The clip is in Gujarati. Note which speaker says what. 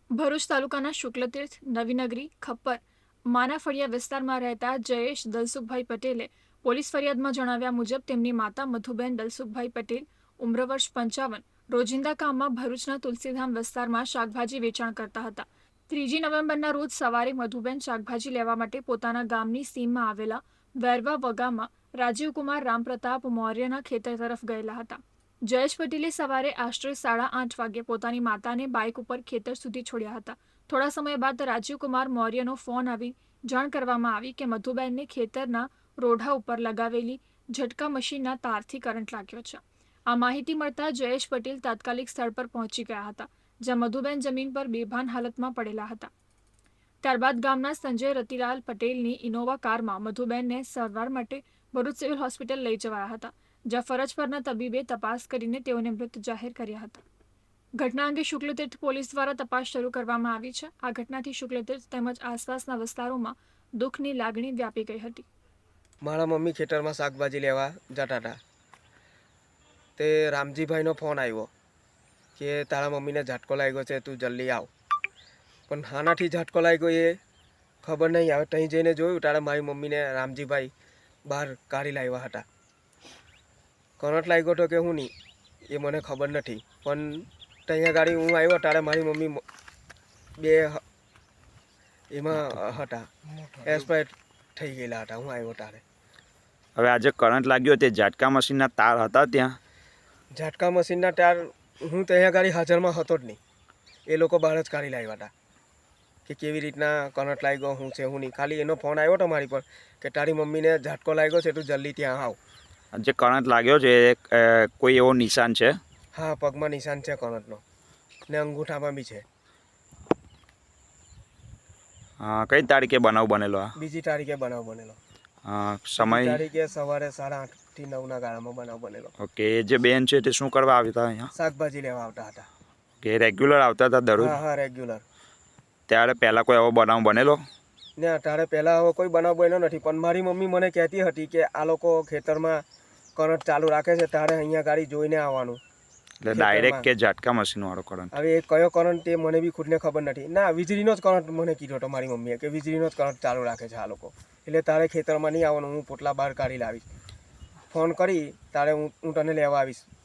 Speaker 1: ભરૂચ તાલુકાના શુક્લતીર્થ, નવીનગરી, ખપ્પર, માનાફળિયા વિસ્તારમાં રહેતા જયેશ દલસુખભાઈ પટેલે પોલીસ ફરિયાદમાં જણાવ્યા મુજબ તેમની માતા મધુબેન દલસુખભાઈ પટેલ, ઉમ્ર વર્ષ 55, રોજિંદા કામમાં ભરૂચના તુલસીધામ વિસ્તારમાં શાકભાજી વેચાણ કરતા હતા. 3 નવેમ્બરના રોજ સવારે મધુબેન શાકભાજી લેવા માટે પોતાના ગામની સીમમાં આવેલા વેરવા વગામાં રાજીવકુમાર રામપ્રતાપ મૌર્યના ખેતર તરફ ગયેલા હતા. જયેશ પટેલે સવારે આશરે 8:30 વાગે પોતાની માતાને બાઇક ઉપર ખેતર સુધી છોડ્યા હતા. થોડા સમય બાદ રાજીવકુમાર મૌર્યનો ફોન આવી જાણ કરવામાં આવી કે મધુબેનને ખેતરના રોઢા ઉપર લગાવેલી ઝટકા મશીનના તારથી કરંટ લાગ્યો છે. આ માહિતી મળતા જયેશ પટેલ તાત્કાલિક સ્થળ પર પહોંચી ગયા હતા, જ્યાં મધુબેન જમીન પર બેભાન હાલતમાં પડેલા હતા. ત્યારબાદ ગામના સંજય રતિલાલ પટેલની ઇનોવા કારમાં મધુબેનને સારવાર માટે ભરૂચ સિવિલ હોસ્પિટલ લઈ જવાયા હતા, જ્યાં ફરજ પરના તબીબે તપાસ કરીને તેઓને મૃત જાહેર કર્યા હતા. ઘટના અંગે શુક્લતીર્થ પોલીસ દ્વારા તપાસ શરૂ કરવામાં આવી છે. આ ઘટનાથી શુક્લતીર્થ તેમજ આસપાસના વિસ્તારોમાં દુઃખની લાગણી વ્યાપી ગઈ હતી.
Speaker 2: મારા મમ્મી ખેતરમાં શાકભાજી લેવા જતા હતા તે રામજીભાઈનો ફોન આવ્યો કે તારા મમ્મીને ઝાટકો લાગ્યો છે, તું જલ્દી આવ. પણ હાનાથી ઝાટકો લાગ્યો એ ખબર નહીં આવે. ત્યાં જઈને જોયું ત્યારે મારી મમ્મીને રામજીભાઈ બહાર કાઢી લાવ્યા હતા. કરંટ લાગ્યો હતો કે હું નહીં એ મને ખબર નથી, પણ ત્યાં ગાડી હું આવ્યો ત્યારે મારી મમ્મી બે એમાં હતા, એક્સપાયર થઈ ગયેલા હતા હું આવ્યો ત્યારે.
Speaker 3: હવે આજે કરંટ લાગ્યો તે ઝાટકા મશીનના તાર હતા ત્યાં?
Speaker 2: ઝાટકા મશીનના તાર હું ત્યાં ગાડી હાજરમાં હતો જ નહીં. એ લોકો બહાર જ કાઢી લાવ્યા હતા કે કેવી રીતના કરંટ લાગ્યો હું છે હું નહીં. ખાલી એનો ફોન આવ્યો હતો મારી પર કે તારી મમ્મીને ઝાટકો લાગ્યો છે, તું જલ્દી ત્યાં આવ.
Speaker 3: જે કરંટ લાગ્યો છે કોઈ એવો નિશાન છે?
Speaker 2: હા, પગમાં નિશાન છે કરંટનો ને અંગૂઠામાં બી છે.
Speaker 3: કઈ તારીખે બનાવ બનેલો?
Speaker 2: 2 તારીખે બનાવ બનેલો.
Speaker 3: સમય?
Speaker 2: તારીખે સવારે 8:30 થી 9ના ગાળામાં બનાવ બનેલો.
Speaker 3: ઓકે. એ જે બેન છે તે શું કરવા આવતા અહીંયા?
Speaker 2: શાકભાજી લેવા આવતા હતા.
Speaker 3: કે રેગ્યુલર આવતા હતા દરરોજ?
Speaker 2: હા, રેગ્યુલર.
Speaker 3: ત્યારે પહેલાં કોઈ એવો બનાવ બનેલો?
Speaker 2: ને ત્યારે પહેલાં હવે કોઈ બનાવ બન્યો નથી, પણ મારી મમ્મી મને કહેતી હતી કે આ લોકો ખેતરમાં કરંટ ચાલુ રાખે છે ત્યારે અહીંયા ગાડી જોઈને આવવાનું.
Speaker 3: એટલે ડાયરેક્ટ કે ઝાટકા મશીનવાળો કરંટ?
Speaker 2: હવે એ કયો કરંટ તે મને બી ખુદને ખબર નથી. ના, વીજળીનો જ કરંટ મને કીધો હતો મારી મમ્મીએ કે વીજળીનો જ કરંટ ચાલુ રાખે છે આ લોકો, એટલે તારે ખેતરમાં નહીં આવવાનું, હું પોટલા બહાર કાઢી લાવીશ. ફોન કરી તારે હું તને લેવા આવીશ.